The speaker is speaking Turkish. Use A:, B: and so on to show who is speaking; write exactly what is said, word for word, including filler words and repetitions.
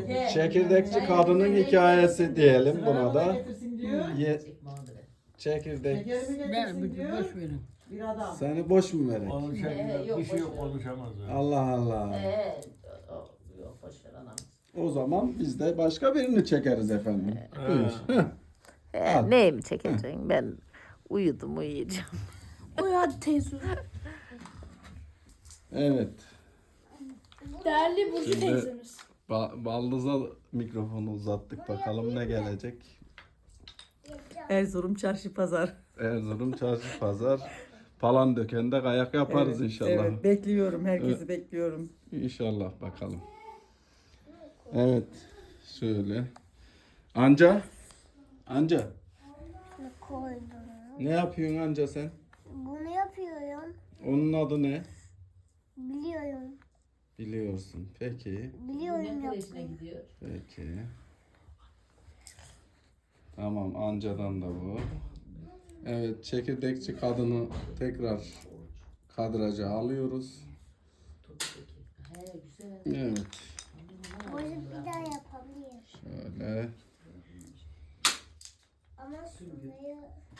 A: Çekirdekçi kadının hikayesi diyelim buna da.
B: Getirsin diyor.
A: Ye, çekirdek.
B: Şekerimi
C: Ben
B: getirsin
C: bir
B: diyor.
C: boş verin.
B: Bir adam.
A: Seni boş mu verek?
D: Konuşamıyor.
E: Ee, yok,
D: Bir şey yok
E: boş ver.
D: konuşamaz. yani.
A: Allah Allah.
E: Ee, o- yok boş ver anam.
A: O zaman biz de başka birini çekeriz efendim. Buyur. Heh.
E: Ee,
A: Al.
E: neyimi çekeceksin? Ben uyudum uyuyacağım.
F: Uyu hadi teyze.
A: Evet.
F: Değerli Burcu
A: Şimdi-
F: teyzemiz.
A: Ba- Baldız'a mikrofonu uzattık. Bakalım ne gelecek.
G: Erzurum çarşı pazar.
A: Erzurum çarşı pazar. Palandöken'de kayak yaparız
G: Evet,
A: inşallah.
G: Evet, bekliyorum. Herkesi bekliyorum.
A: İnşallah bakalım. Evet. Şöyle. Anca. Anca.
H: Koydum.
A: Ne yapıyorsun anca sen?
H: Bunu yapıyorum.
A: Onun adı ne?
H: Biliyorum.
A: Biliyorsun. Peki.
H: Biliyorum yapmayı.
E: gidiyor?
A: Peki. Tamam, ancadan da bu. Evet, çekirdekçi kadını tekrar kadraja alıyoruz.
E: He güzel.
A: Evet.
H: Bunu bir daha yapabilirim.
A: Şöyle.
H: Ama şurayı